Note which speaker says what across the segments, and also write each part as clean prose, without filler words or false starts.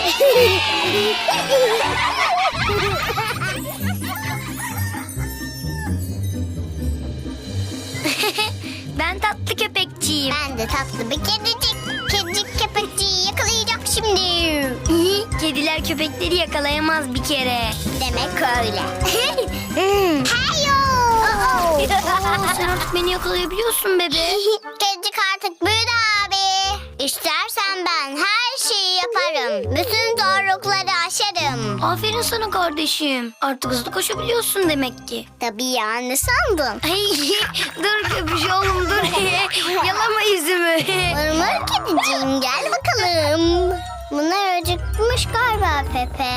Speaker 1: Ben tatlı köpekçiyim.
Speaker 2: Ben de tatlı bir kedicik. Kedicik köpekçiyi yakalayacak şimdi.
Speaker 1: Kediler köpekleri yakalayamaz bir kere.
Speaker 2: Demek öyle. Heyo!
Speaker 1: Sen artık beni yakalayabiliyorsun bebe.
Speaker 2: Kedicik artık büyüdü abi. İstersen ben her şeyi yaparım. Bütün zorlukları aşarım.
Speaker 1: Aferin sana kardeşim. Artık hızlı koşabiliyorsun demek ki.
Speaker 2: Tabii ya, ne sandın?
Speaker 1: Ay, dur köpüş oğlum dur. Yalama yüzümü.
Speaker 2: Mırmır kediciğim, gel bakalım. Bunlar acıkmış galiba Pepe.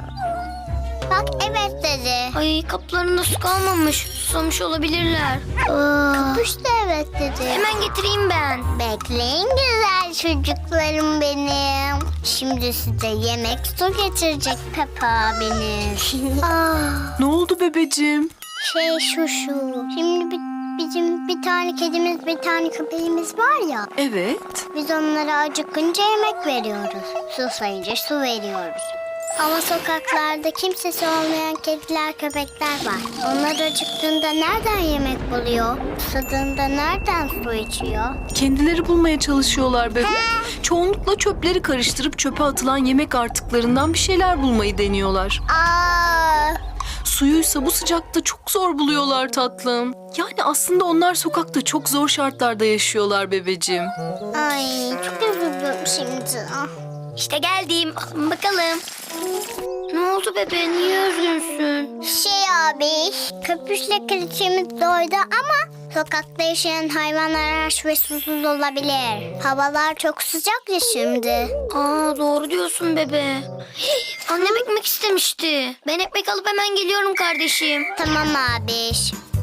Speaker 2: Bak evet dedi.
Speaker 1: Ay kaplarında su kalmamış. Susamış olabilirler.
Speaker 2: Kapış da evet dedi.
Speaker 1: Hemen getireyim ben.
Speaker 2: Bekleyin güzel çocuklarım benim. Şimdi size yemek su getirecek Pepe abiniz.
Speaker 3: Ne oldu bebeciğim?
Speaker 2: Şu. Şimdi bizim bir tane kedimiz, bir tane köpeğimiz var ya.
Speaker 3: Evet.
Speaker 2: Biz onlara acıkınca yemek veriyoruz. Susayınca su veriyoruz. Ama sokaklarda kimsesi olmayan kediler, köpekler var. Onlar acıktığında nereden yemek buluyor? Susadığında nereden su içiyor?
Speaker 3: Kendileri bulmaya çalışıyorlar bebe. Çoğunlukla çöpleri karıştırıp çöpe atılan yemek artıklarından bir şeyler bulmayı deniyorlar.
Speaker 2: Aa,
Speaker 3: Suyuysa bu sıcakta çok zor buluyorlar tatlım. Yani aslında onlar sokakta çok zor şartlarda yaşıyorlar bebeciğim.
Speaker 2: ay çok üzüldüm şimdi.
Speaker 1: İşte geldim. Alın bakalım. Ne oldu bebe? Niye üzgünsün?
Speaker 2: Abi, köpüşle kraliçemiz doydu ama sokakta yaşayan hayvanlar aç ve susuz olabilir. Havalar çok sıcak ya şimdi.
Speaker 1: Aa doğru diyorsun bebe. Annem ekmek istemişti. Ben ekmek alıp hemen geliyorum kardeşim.
Speaker 2: Tamam abi.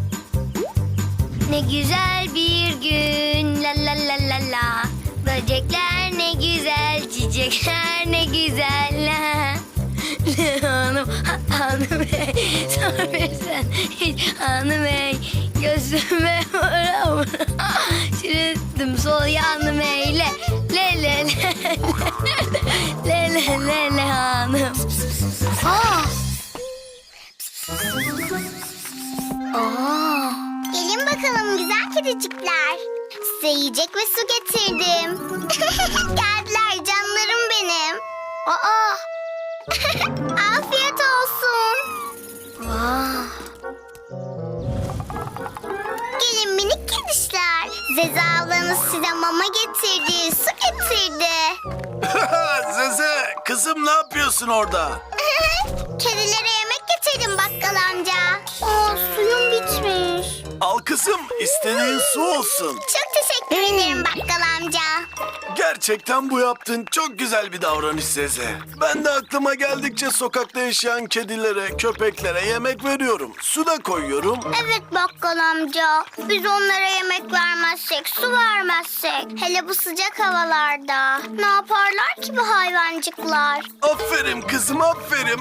Speaker 1: Ne güzel bir gün la la la la la. Böcekler ne güzel, çiçekler ne güzel la. Hanım bey, sormasan hiç hanım bey. Gözüme vura vura. Çürüttüm sol yanım eyle. Le le le le le le le hanım. Aa.
Speaker 2: Gelin bakalım güzel kedicikler. Size yiyecek ve su getirdim. Geldiler canlarım benim.
Speaker 1: Aa.
Speaker 2: Afiyet olsun.
Speaker 1: Vah.
Speaker 2: Gelin minik kedişler. Zeze ablanız size mama getirdi, su getirdi.
Speaker 4: Zeze, kızım ne yapıyorsun orada?
Speaker 2: Kedilere yemek getirdim bakkal amca. Suyum bitmiş.
Speaker 4: Al kızım, istediğin su olsun.
Speaker 2: Çok teşekkür ederim bakkal amca.
Speaker 4: Gerçekten bu yaptığın çok güzel bir davranış Zeze. Ben de aklıma geldikçe sokakta yaşayan kedilere, köpeklere yemek veriyorum. Su da koyuyorum.
Speaker 2: Evet bakkal amca. Biz onlara yemek vermezsek, su vermezsek. Hele bu sıcak havalarda. Ne yaparlar ki bu hayvancıklar?
Speaker 4: Aferin kızım, aferin.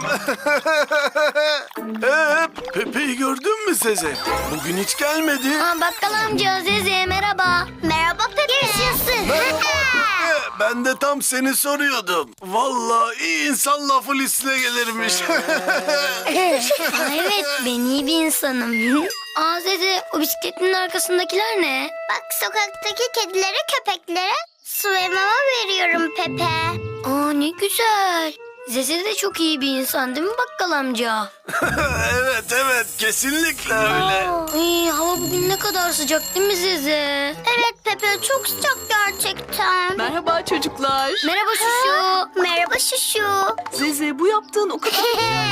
Speaker 4: Pepe'yi gördün mü Zeze? Bugün hiç gelmedi.
Speaker 1: Aa, bakkal amca Zeze merhaba.
Speaker 2: Merhaba Pepe. Yaşasın.
Speaker 4: Merhaba Pepe. Ben de tam seni soruyordum. Vallahi iyi insan lafı listine gelirmiş.
Speaker 1: Aa, evet ben iyi bir insanım. Aa Zeze o bisikletinin arkasındakiler ne?
Speaker 2: Bak sokaktaki kedilere, köpeklere su ve mama veriyorum Pepe.
Speaker 1: Aa ne güzel. Zeze de çok iyi bir insan değil mi bakkal amca?
Speaker 4: Evet, kesinlikle öyle.
Speaker 1: Ay, hava bugün ne kadar sıcak değil mi Zeze?
Speaker 2: Evet Pepe çok sıcak gerçekten.
Speaker 3: Merhaba çocuklar.
Speaker 1: Merhaba Şuşu.
Speaker 2: Merhaba Şuşu.
Speaker 3: Zeze bu yaptığın o kadar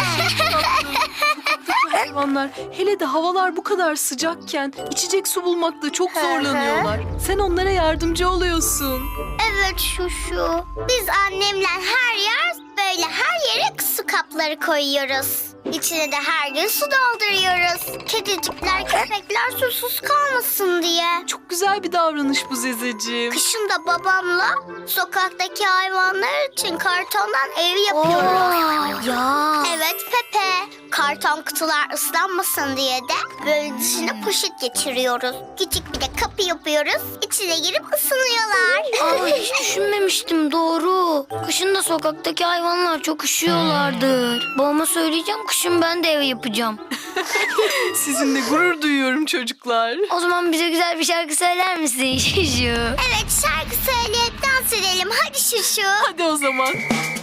Speaker 3: hayvanlar. Hele de havalar bu kadar sıcakken içecek su bulmakta çok zorlanıyorlar. Sen onlara yardımcı oluyorsun.
Speaker 2: Evet Şuşu. Biz annemle her yer böyle her yere su kapları koyuyoruz. İçine de her gün su dolduruyoruz. Kedicikler, köpekler susuz kalmasın diye.
Speaker 3: Çok güzel bir davranış bu Zezeciğim.
Speaker 2: Kışın da babamla sokaktaki hayvanlar için kartondan ev yapıyoruz.
Speaker 1: Ya.
Speaker 2: Evet Pepe. Karton kutular ıslanmasın diye de böyle dışına poşet geçiriyoruz. Küçük bir de kapı yapıyoruz. İçine girip ısınıyorlar.
Speaker 1: Aa, hiç düşünmemiştim, doğru. Kışın da sokaktaki hayvanlar çok üşüyorlardır. Babama söyleyeceğim, kışın ben de ev yapacağım.
Speaker 3: Sizinle gurur duyuyorum çocuklar.
Speaker 1: O zaman bize güzel bir şarkı söyler misin Şuşu?
Speaker 2: Evet, şarkı söyleyip dans edelim. Hadi Şuşu.
Speaker 3: Hadi o zaman.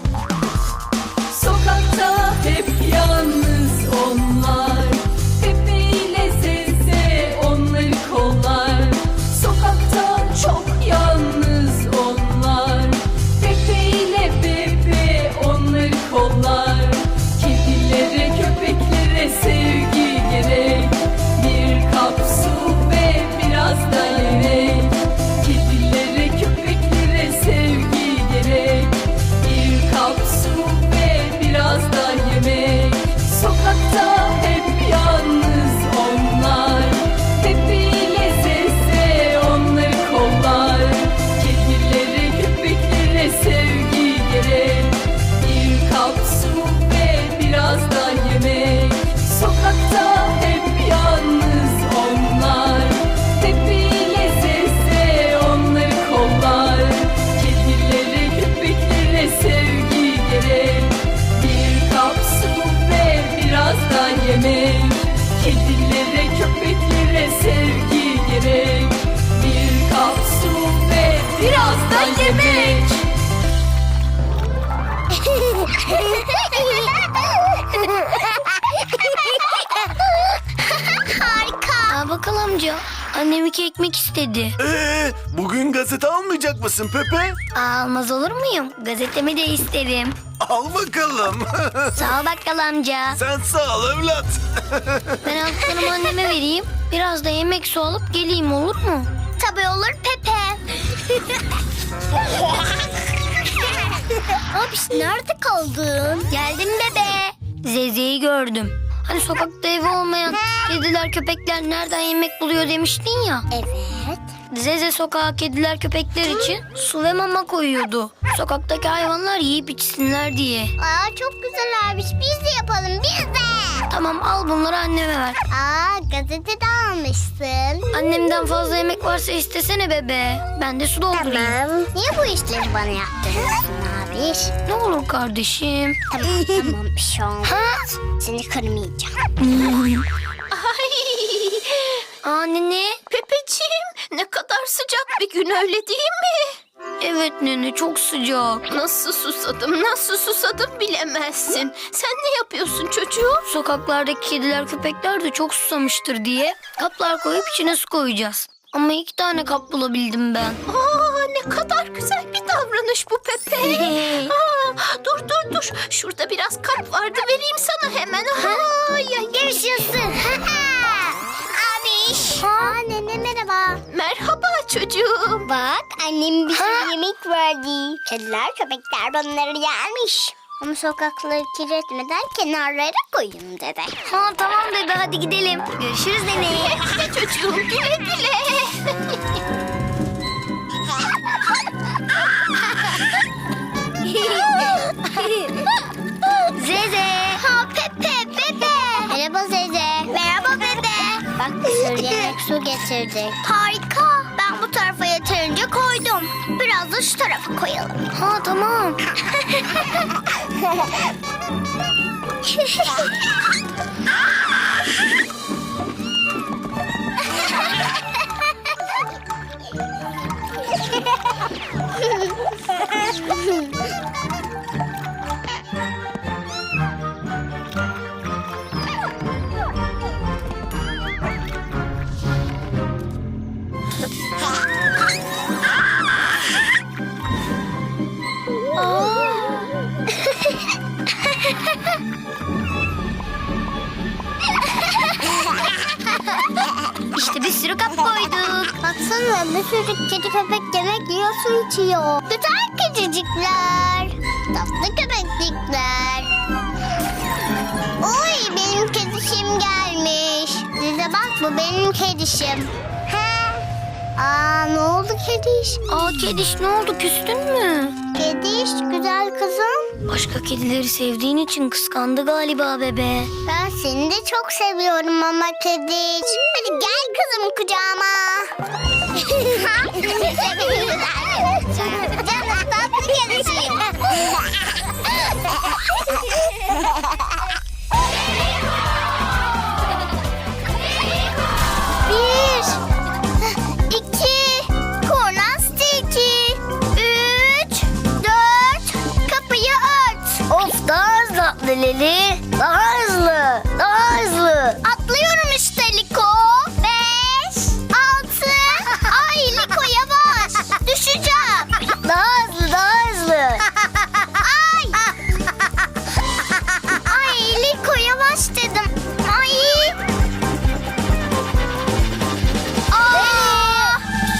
Speaker 5: Sokakta hep yalnız onlar, Pepe ile Zeze onları kollar. Sokakta çok yalnız onlar, Pepe ile Bebe onları kollar. Kedilere, köpeklere sevgi gerek, bir kap su ve biraz da yemek. Kedilere, köpeklere sevgi gerek, bir kap su ve biraz da yemek. Sokakta hep yalnız onlar, Pepe ile Zeze onları kollar. Kedilere, köpeklere sevgi gerek, bir kap su ve biraz da yemek. Sokakta hep yalnız onlar, Pepe ile Zeze onları kollar. Kedilere, köpeklere sevgi gerek, bir kap su ve biraz da yemek. Kedilere, köpeklere sevgi gerek, bir kap su ve biraz da yemek.
Speaker 2: Harika.
Speaker 1: Aa, bakkal amca, annem 2 ekmek istedi.
Speaker 4: Bugün gazete almayacak mısın Pepe?
Speaker 1: Aa, almaz olur muyum? Gazetemi de isterim.
Speaker 4: Al bakalım.
Speaker 1: Sağ ol bakkal amca.
Speaker 4: Sen sağ ol evlat.
Speaker 1: Ben aldıklarımı anneme vereyim. Biraz da yemek su alıp geleyim, olur mu?
Speaker 2: Tabii olur Pepe. Abiş, nerede kaldın?
Speaker 1: Geldim bebe. Zeze'yi gördüm. Hani sokakta evi olmayan kediler köpekler nereden yemek buluyor demiştin ya.
Speaker 2: Evet.
Speaker 1: Zeze sokağa kediler köpekler için su ve mama koyuyordu. Sokaktaki hayvanlar yiyip içsinler diye.
Speaker 2: Aa, çok güzel abiş. Biz de yapalım, biz de.
Speaker 1: Tamam, al bunları anneme ver.
Speaker 2: Aa, gazete de almışsın.
Speaker 1: Annemden fazla yemek varsa istesene bebe. Ben de su doldurayım.
Speaker 2: Tamam. Niye bu işleri bana yaptırıyorsun abiş?
Speaker 1: Ne olur kardeşim.
Speaker 2: Tamam, bir şey olmaz. Seni kırmayacağım.
Speaker 1: Aa, nene.
Speaker 5: Pepeciğim, ne kadar sıcak bir gün, öyle değil mi?
Speaker 1: Evet nene, çok sıcak.
Speaker 5: Nasıl susadım bilemezsin. Sen ne yapıyorsun çocuğum?
Speaker 1: Sokaklardaki kediler köpekler de çok susamıştır diye kaplar koyup içine su koyacağız. Ama 2 tane kap bulabildim ben.
Speaker 5: Aa, ne kadar güzel bir davranış bu Pepe. Aa, dur. Şurada biraz kap vardı, vereyim sana hemen.
Speaker 2: Görüşürsün. Abiş. Aa, nene merhaba.
Speaker 5: Merhaba çocuğum.
Speaker 2: Bak, annem bize yemek verdi. Kediler, köpekler bunları yermiş. Ama sokakları kirletmeden kenarlara koyun dedi.
Speaker 1: Ha, tamam bebe, hadi gidelim. Görüşürüz nene.
Speaker 5: Güle çocuğum, güle güle.
Speaker 1: Zeze.
Speaker 2: Ha, Pepe, Bebe. Merhaba Zeze. Merhaba Bebe. Bak, bir sürü yemek su getirdik. Harika. Ben bu tarafa yeterince koydum. Biraz da şu tarafa koyalım.
Speaker 1: Ha, tamam. İşte bir sürü kap koyduk.
Speaker 2: Baksana, bir sürü kedi köpek yemek yiyor, su içiyor. Güzel kedicikler. Tatlı köpeklikler. Oy, Bu benim kedişim. Aa, ne oldu kediş?
Speaker 1: Aa Kediş, ne oldu, küstün mü?
Speaker 2: Kediş, güzel kızım.
Speaker 1: Başka kedileri sevdiğin için kıskandı galiba bebe.
Speaker 2: Ben seni de çok seviyorum ama kediş. Hadi gel kızım kucağıma. Canım tatlı kedişim. Bir, iki, kurnaz tilki. 3, 4, kapıyı ört.
Speaker 1: Of, daha hızlı atla Leli. Daha hızlı, daha hızlı.
Speaker 2: Atlıyorum işte Liko. 5, 6. Ay Liko yavaş. Düşeceğim.
Speaker 1: Daha hızlı, daha hızlı.
Speaker 2: Ay. Ay Liko yavaş dedim. Ay. Aa.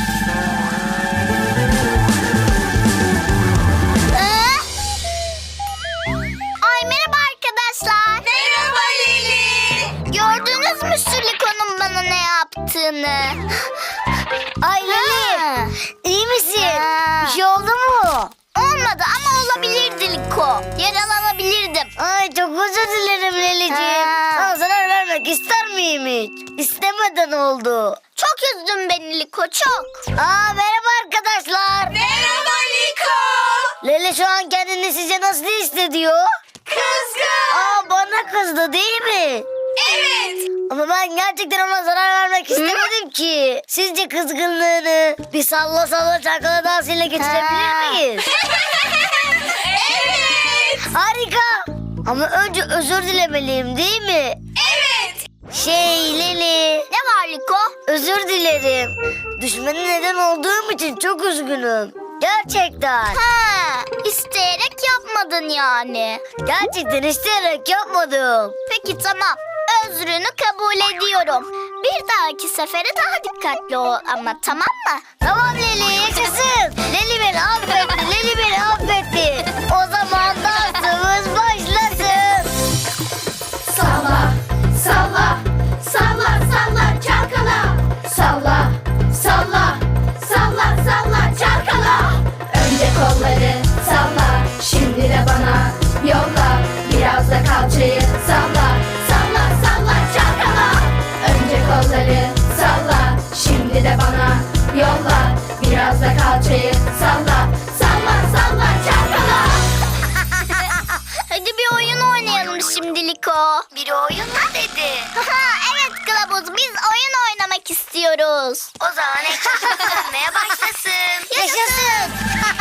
Speaker 2: Ay merhaba arkadaşlar. Merhaba Lili. Gördünüz mü şu Liko'nun bana ne yaptığını?
Speaker 1: Ay Leli, iyi misin?
Speaker 2: Ha.
Speaker 1: Bir şey oldu mu?
Speaker 2: Olmadı ama olabilirdi Liko. Yaralanabilirdim.
Speaker 1: Ay çok özür dilerim Leli'ciğim.
Speaker 2: Ha.
Speaker 1: Sana zarar vermek ister miyim hiç? İstemeden oldu.
Speaker 2: Çok üzdün beni Liko çok.
Speaker 1: Aa, merhaba arkadaşlar.
Speaker 2: Merhaba Liko.
Speaker 1: Leli şu an kendini size nasıl hissediyor?
Speaker 2: Kızgın.
Speaker 1: Aa, bana kızdı değil mi?
Speaker 2: Evet.
Speaker 1: Ama ben gerçekten ona zarar vermek istemedim ki. Sizce kızgınlığını bir salla salla çalkala dansıyla geçirebilir
Speaker 2: Ha.
Speaker 1: miyiz?
Speaker 2: Evet.
Speaker 1: Harika. Ama önce özür dilemeliyim değil mi?
Speaker 2: Evet.
Speaker 1: Leli.
Speaker 2: Ne var Liko?
Speaker 1: Özür dilerim. Düşmene neden olduğum için çok üzgünüm. Gerçekten.
Speaker 2: Ha, isteyerek yapmadın yani.
Speaker 1: Gerçekten isteyerek yapmadım.
Speaker 2: Peki tamam. Özrünü kabul ediyorum. Bir dahaki sefere daha dikkatli ol ama tamam mı?
Speaker 1: Tamam Leli, yaşasın. Leli beni affetti, Leli beni affetti. O zaman dansımız başlasın.
Speaker 5: Salla, salla, salla, salla, çalkala. Salla, salla, salla, salla, çalkala. Önce kolları salla, şimdi de bana yolla. Biraz da kalçayı salla, salla, salla, çalkala. Önce kolları salla, şimdi de bana yolla. Biraz da kalçayı salla, salla, salla, çalkala.
Speaker 2: Hadi bir oyun oynayalım şimdi Liko.
Speaker 1: Bir oyun mu dedi?
Speaker 2: Evet Kılavuz, biz oyun oynamak istiyoruz.
Speaker 1: O zaman ekran dönmeye başlasın.
Speaker 2: Yaşasın.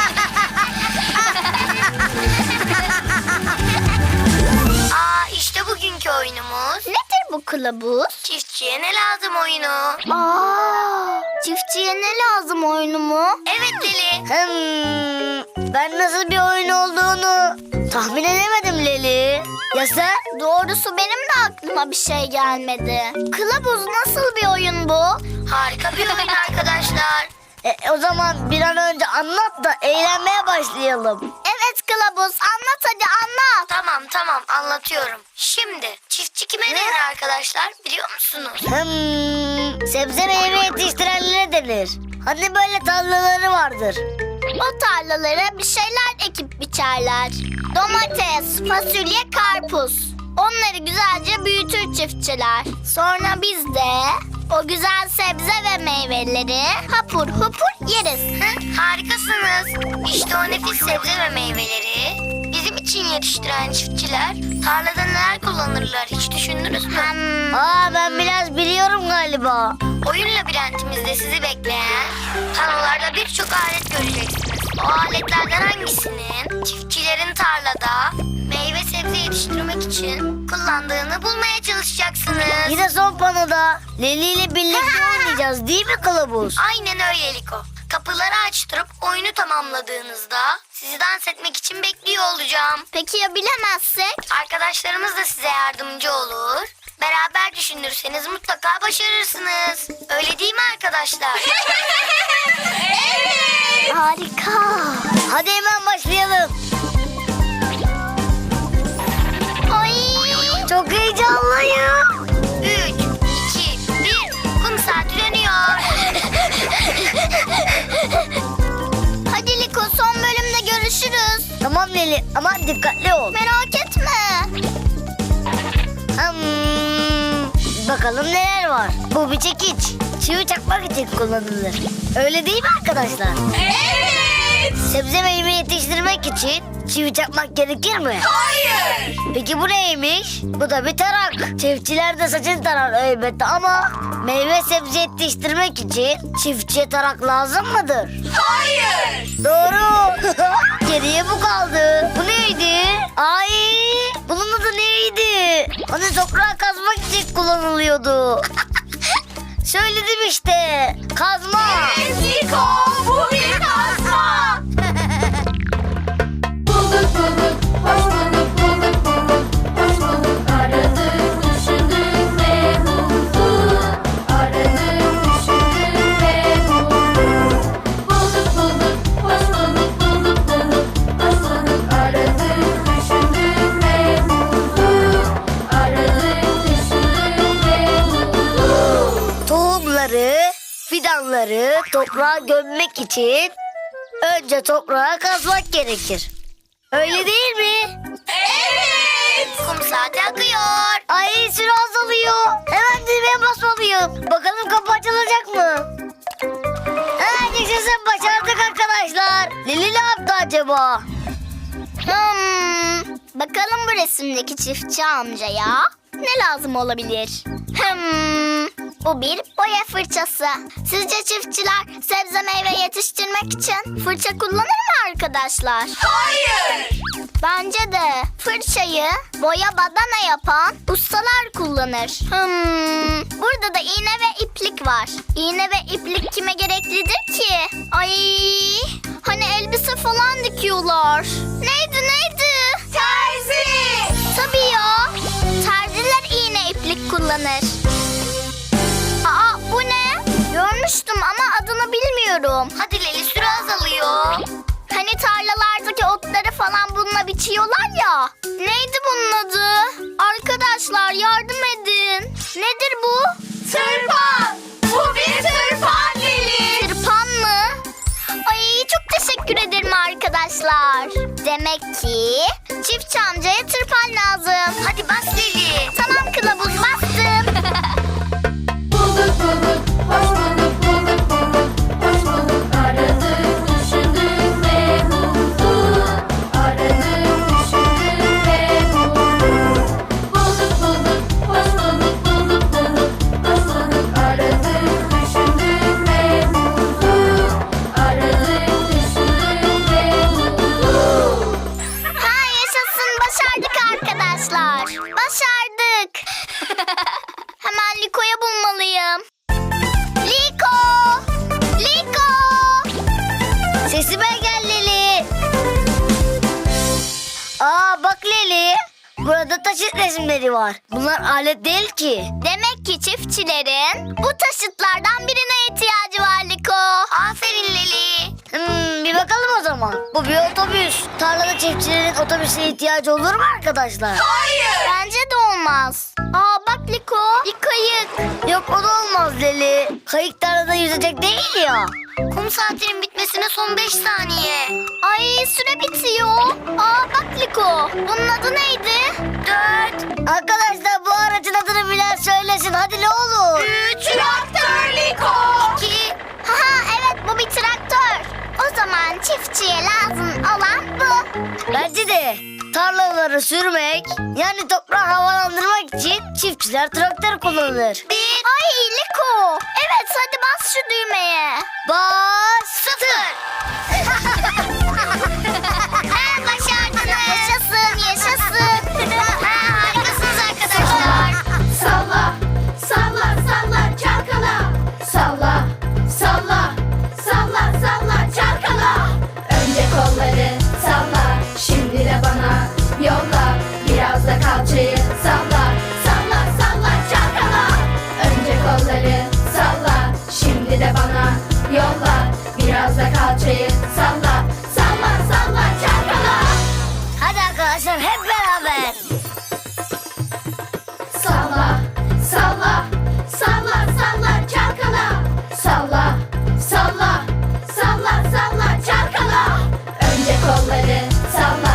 Speaker 1: Aa, işte bugünkü oyunumuz.
Speaker 2: Nedir bu Kılavuz?
Speaker 1: Çiftçiye ne lazım oyunu?
Speaker 2: Aa, çiftçiye ne lazım oyunu mu?
Speaker 1: Evet Leli. Ben nasıl bir oyun olduğunu tahmin edemedim Leli. Ya sen?
Speaker 2: Doğrusu benim de aklıma bir şey gelmedi. Kılavuz, nasıl bir oyun bu?
Speaker 1: Harika bir oyun arkadaşlar. O zaman bir an önce anlat da eğlenmeye başlayalım.
Speaker 2: Evet Kılavuz, anlat hadi anlat.
Speaker 1: Tamam anlatıyorum. Şimdi çiftçi kime denir arkadaşlar biliyor musunuz? Sebze meyve yetiştirenlere denir. Hani böyle tarlaları vardır.
Speaker 2: O tarlalara bir şeyler ekip biçerler. Domates, fasulye, karpuz. Onları güzelce büyütür çiftçiler. Sonra biz de o güzel sebze ve meyveleri hapur hupur yeriz.
Speaker 1: Harikasınız. İşte o nefis sebze ve meyveleri bizim için yetiştiren çiftçiler tarlada neler kullanırlar hiç düşündünüz mü? Aa, ben biraz biliyorum galiba. Oyun labirentimizde sizi bekleyen panolarda birçok alet göreceksiniz. O aletlerden hangisinin çiftçilerin tarlada meyve sebze yetiştirmek için kullandığını bulmaya çalışacaksınız. Yine son panoda Leli ile birlikte oynayacağız değil mi Kılavuz? Aynen öyle Liko. Kapıları açtırıp oyunu tamamladığınızda sizi dans etmek için bekliyor olacağım.
Speaker 2: Peki ya bilemezsek?
Speaker 1: Arkadaşlarımız da size yardımcı olur. Beraber düşünürseniz mutlaka başarırsınız. Öyle değil mi arkadaşlar?
Speaker 2: Evet. Harika.
Speaker 1: Hadi hemen başlayalım.
Speaker 2: Ay.
Speaker 1: Çok heyecanlıyım. 3, 2, 1. Tamam Leli ama dikkatli ol.
Speaker 2: Merak etme.
Speaker 1: Bakalım neler var. Bu bir çekiç. Çivi çakmak için kullanılır. Öyle değil mi arkadaşlar?
Speaker 5: Evet.
Speaker 1: Sebze meyve yetiştirmek için çivi çakmak gerekir mi?
Speaker 5: Hayır.
Speaker 1: Peki bu neymiş? Bu da bir tarak. Çiftçiler de saçını tarar elbette ama meyve sebze yetiştirmek için çiftçiye tarak lazım mıdır?
Speaker 5: Hayır.
Speaker 1: Doğru. Geriye bu kaldı. Bu neydi? Ay, bunun adı neydi? Hani toprağı kazmak için kullanılıyordu. Söyledim işte. Kazma.
Speaker 5: Liko, bu bir kazma.
Speaker 6: Bulduk bulduk, hoş bulduk, bulduk bulduk, hoş bulduk. Aradık, düşündük ve bulduk. Aradık, düşündük ve bulduk. Bulduk bulduk, hoş bulduk, bulduk bulduk, hoş bulduk. Aradık, düşündük ve bulduk. Aradık, düşündük ve bulduk.
Speaker 1: Tohumları, fidanları toprağa gömmek için önce toprağa kazmak gerekir. Öyle değil mi?
Speaker 5: Evet.
Speaker 1: Kum saati akıyor. Ay, süre azalıyor. Hemen düğmeye basmalıyım. Bakalım kapı açılacak mı? Yaşasın, başardık arkadaşlar. Lili ne yaptı acaba?
Speaker 2: Bakalım bu resimdeki çiftçi amcaya ne lazım olabilir? Bu bir boya fırçası. Sizce çiftçiler sebze meyve yetiştirmek için fırça kullanır mı arkadaşlar?
Speaker 5: Hayır.
Speaker 2: Bence de fırçayı boya badana yapan ustalar kullanır. Burada da iğne ve iplik var. İğne ve iplik kime gereklidir ki? Ay, hani elbise falan dikiyorlar. Neydi?
Speaker 5: Terzi.
Speaker 2: Tabii ya. Terziler iğne iplik kullanır. Aa, bu ne? Görmüştüm ama adını bilmiyorum.
Speaker 1: Hadi Leli, süre azalıyor.
Speaker 2: Hani tarlalardaki otları falan bununla biçiyorlar ya. Neydi bunun adı? Arkadaşlar yardım edin. Nedir bu?
Speaker 5: Tırpan. Bu bir tırpan Lili.
Speaker 2: Tırpan mı? Ay, çok teşekkür ederim arkadaşlar. Demek ki çiftçi amcaya tırpan lazım.
Speaker 1: Hadi bas Leli.
Speaker 2: Tamam kılavuz, bastım.
Speaker 6: Bulduk bulduk, hoş bulduk, bulduk bulduk, hoş bulduk. Aradık, düşündük ve bulduk. Aradık, düşündük ve bulduk. Bulduk bulduk, hoş bulduk, bulduk bulduk, hoş bulduk. Aradık, düşündük ve bulduk. Aradık, düşündük ve bulduk.
Speaker 2: Ha, yaşasın, başardık arkadaşlar. Başardık. Hemen Liko'yu bulmalıyım. Liko!
Speaker 1: Sesime gel Leli. Aa, bak Leli. Burada taşıt resimleri var. Bunlar alet değil ki.
Speaker 2: Demek ki çiftçilerin bu taşıtlardan birine ihtiyacı var Liko.
Speaker 1: Aferin Leli. Bir bakalım o zaman. Bu bir otobüs. Tarlada çiftçilerin otobüse ihtiyacı olur mu arkadaşlar?
Speaker 5: Hayır.
Speaker 2: Bence de olmaz. Aa, bak Liko, bir kayık.
Speaker 1: Yok, o da olmaz Leli. Kayık tarlada yüzecek değil ya. Kum saatinin bitmesine son 5 saniye.
Speaker 2: Ay, süre bitiyor. Aa, bak Liko, bunun adı neydi?
Speaker 1: 4. Arkadaşlar, bu aracın adını bilen söylesin. Hadi ne olur.
Speaker 5: 3. Traktör Liko.
Speaker 1: 2.
Speaker 2: Haha, evet, bu bir traktör. O zaman çiftçiye lazım olan bu.
Speaker 1: Bence de tarlaları sürmek, yani toprağı havalandırmak için çiftçiler traktör kullanır.
Speaker 2: Ay Liko. Evet, hadi bas şu düğmeye.
Speaker 1: Bastır.
Speaker 2: Başardınız. Yaşasın. Harikasınız arkadaşlar.
Speaker 6: Salla, salla, salla, çalkala. Salla, salla, salla, salla, çalkala. Önce kolları salla, şimdi de bana yolla. Biraz da kalçayı salla, salla, salla, çalkala. Önce kolları salla, şimdi de bana yolla. Biraz da kalçayı salla, salla, salla, çalkala.
Speaker 1: Hadi arkadaşlar, hep beraber.
Speaker 6: Salla, salla, salla, salla, çalkala. Salla, salla, salla, salla, çalkala. Önce kolları salla,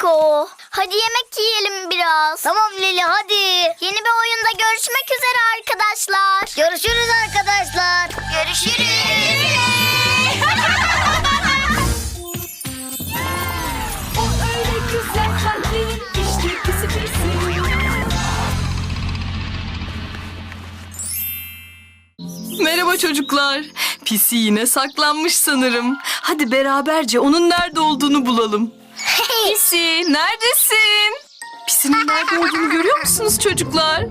Speaker 2: Liko. Hadi yemek yiyelim biraz. Tamam Lili hadi. Yeni bir oyunda görüşmek üzere arkadaşlar. Görüşürüz arkadaşlar. Görüşürüz.
Speaker 3: O öyle güzel kalpli işte pisi pisi. Merhaba çocuklar. Pisi yine saklanmış sanırım. Hadi beraberce onun nerede olduğunu bulalım. Pisi neredesin? Pisinin nerede olduğunu görüyor musunuz çocuklar?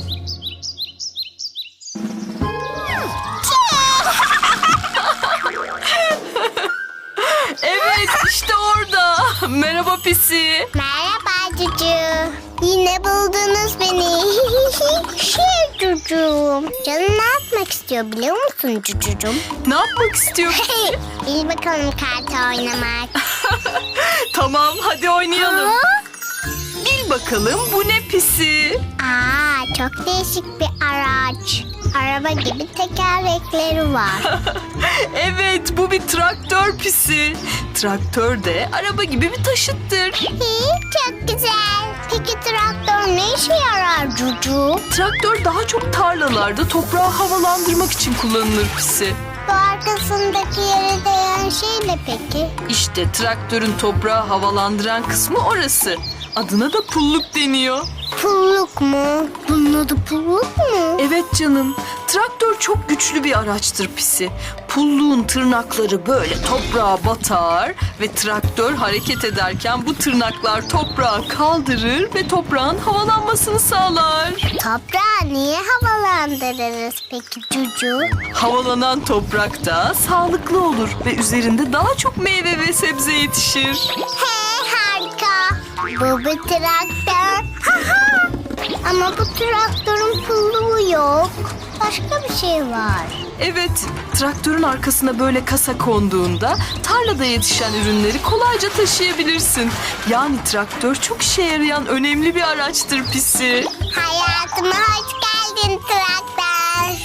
Speaker 3: Evet işte orada. Merhaba Pisi.
Speaker 2: Merhaba Cucu. Yine buldunuz beni. Cucuğum. Canım ne yapmak istiyor biliyor musun Cucucuğum?
Speaker 3: Ne yapmak istiyor?
Speaker 2: Bil bakalım kart oynamak.
Speaker 3: Tamam hadi oynayalım. Bil bakalım bu ne Pisi?
Speaker 2: Aa, çok değişik bir araç. Araba gibi tekerlekleri var.
Speaker 3: Evet bu bir traktör Pisi. Traktör de araba gibi bir taşıttır.
Speaker 2: Çok güzel. Peki traktör ne işe yarar Cucu?
Speaker 3: Traktör daha çok tarlalarda toprağı havalandırmak için kullanılır Pisi.
Speaker 2: Bu arkasındaki yere değen şey ne peki?
Speaker 3: İşte traktörün toprağı havalandıran kısmı orası. Adına da pulluk deniyor.
Speaker 2: Pulluk mu? Bunun adı pulluk mu?
Speaker 3: Evet canım. Traktör çok güçlü bir araçtır Pisi. Pulluğun tırnakları böyle toprağa batar ve traktör hareket ederken bu tırnaklar toprağı kaldırır ve toprağın havalanmasını sağlar.
Speaker 2: Toprağı niye havalandırırız peki Cucu?
Speaker 3: Havalanan toprak da sağlıklı olur ve üzerinde daha çok meyve ve sebze yetişir.
Speaker 2: He harika. Bu bir traktör. Ama bu traktörün pulluğu yok. Başka bir şey var.
Speaker 3: Evet, traktörün arkasına böyle kasa konduğunda tarlada yetişen ürünleri kolayca taşıyabilirsin. Yani traktör çok işe yarayan önemli bir araçtır Pisi.
Speaker 2: Hayatıma hoş geldin traktör.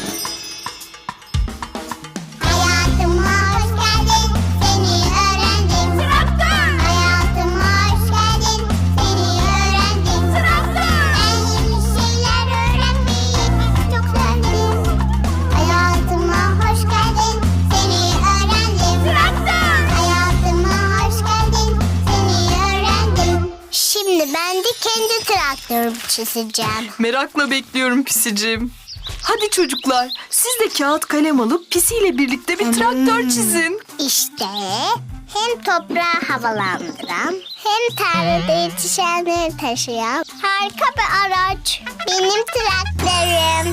Speaker 2: Hayatıma hoş geldin, seni öğrendim. Traktör. Hayatıma hoş geldin, seni öğrendim. Traktör. Ben yeni şeyler öğrenmeyi çok sevdim. Hayatıma hoş geldin, seni öğrendim. Traktör. Hayatıma hoş geldin, seni öğrendim. Şimdi ben de kendi traktörümü çizeceğim.
Speaker 3: Merakla bekliyorum Pisicim. Hadi çocuklar, siz de kağıt kalem alıp Pisi ile birlikte bir traktör çizin.
Speaker 2: İşte hem toprağı havalandıran hem tarlada yetişenleri taşıyan harika bir araç. Benim traktörüm.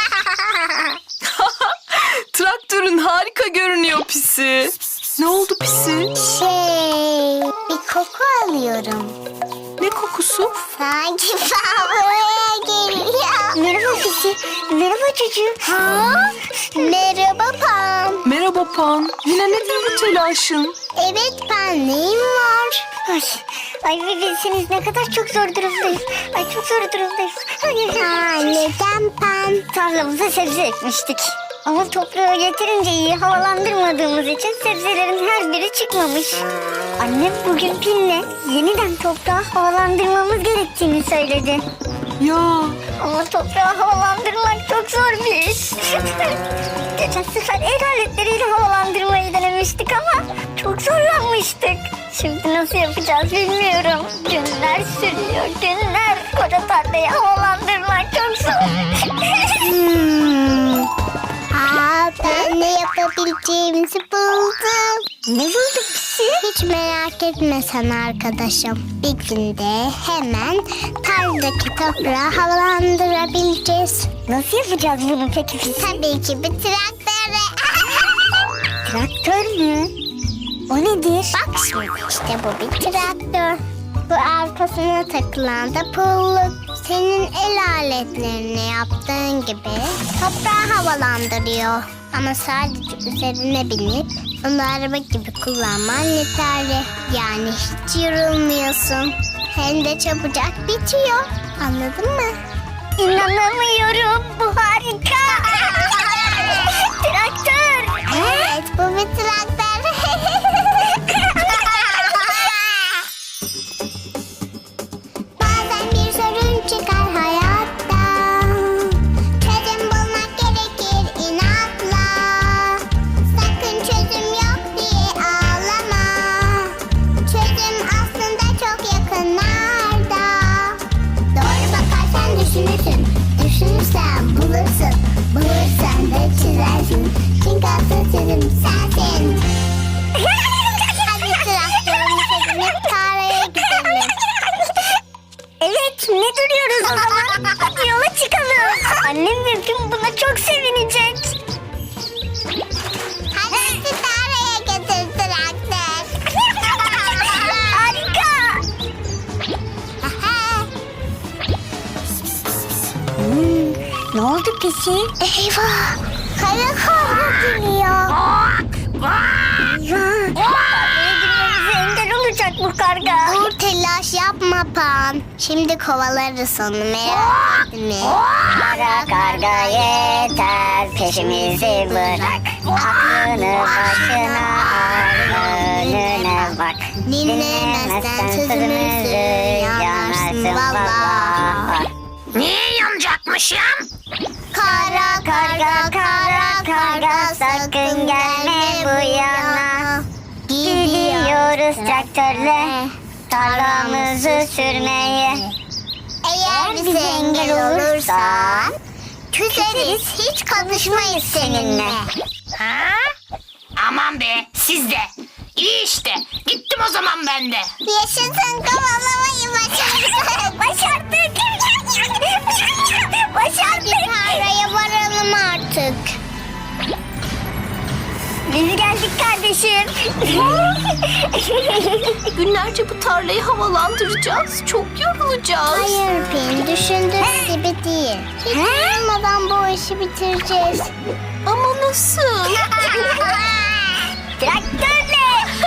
Speaker 3: Traktörün harika görünüyor Pisi. Ne oldu Pisi?
Speaker 2: Bir koku alıyorum.
Speaker 3: Ne kokusu?
Speaker 2: Sanki buraya geliyor. Merhaba Pisi. Merhaba çocuğum. Merhaba Pam.
Speaker 3: Merhaba Pan. Yine nedir bu telaşın?
Speaker 2: Evet Pam, neyim var? Ay bilseniz ne kadar çok zor durumdayız. Ay çok zor durumdayız. Neden Pam? Tarlamıza sebze ekmiştik. Ama toprağı yeterince iyi havalandırmadığımız için sebzelerin her biri çıkmamış. Annem bugün Pin'le yeniden toprağı havalandırmamız gerektiğini söyledi.
Speaker 3: Ya
Speaker 2: Ama toprağı havalandırmak çok zor bir iş. Geçen sefer el aletleriyle havalandırmayı denemiştik ama çok zorlanmıştık. Şimdi nasıl yapacağız bilmiyorum. Günler sürüyor, günler. Koca tarlayı havalandırmak çok zor. Ben ne yapabileceğimizi buldum. Ne buldun Pisi? Hiç merak etme sen arkadaşım. Bir günde hemen tarladaki toprağı havalandırabileceğiz. Nasıl yapacağız bunu peki Pisi? Tabii ki bir traktörle. Traktör mü? O nedir? Bak şimdi işte bu bir traktör. Bu arkasına takılan da pulluk. Senin el aletlerini yaptığın gibi toprağı havalandırıyor. Ama sadece üzerine binip onu araba gibi kullanman yeterli. Yani hiç yorulmuyorsun. Hem de çabucak bitiyor. Anladın mı? İnanamıyorum. Bu harika. Traktör. Evet, bu bir traktör. Pisi? Eyvah! Kara karga geliyor. Girmemize engel olacak bu karga. Dur telaş yapma Pan. Şimdi kovalarız onu, merak etme. Kara karga yeter, peşimizi bırak. Aklını başına al, önüne bak. Dinlemezsen sözümüzü yanarsın valla.
Speaker 5: Niye yanacakmışım?
Speaker 2: Kara karga, kara karga, sakın gelme bu yana. Gidiyoruz traktörle tarlamızı sürmeye. Eğer bize engel olursan küseriz, hiç konuşmayız seninle.
Speaker 5: Ha? Aman be, siz de. İyi işte. Gittim o zaman ben de.
Speaker 2: Yaşasın, kovalamayı başardık. Başardık. Başardık. Tarlaya varalım artık. Biz geldik kardeşim.
Speaker 5: Günlerce bu tarlayı havalandıracağız. Çok yorulacağız.
Speaker 2: Hayır Pin, düşündüğün gibi değil. Hiç yorulmadan bu işi bitireceğiz.
Speaker 5: Ama nasıl?
Speaker 2: Traktörle.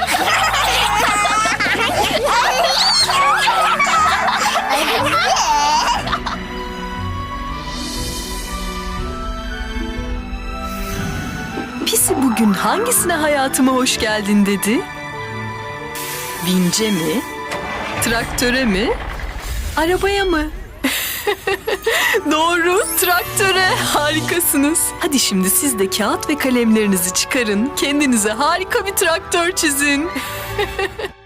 Speaker 3: Pisi bugün hangisine hayatıma hoş geldin dedi? Vince mi? Traktöre mi? Arabaya mı? Doğru, traktöre. Harikasınız. Hadi şimdi siz de kağıt ve kalemlerinizi çıkarın. Kendinize harika bir traktör çizin.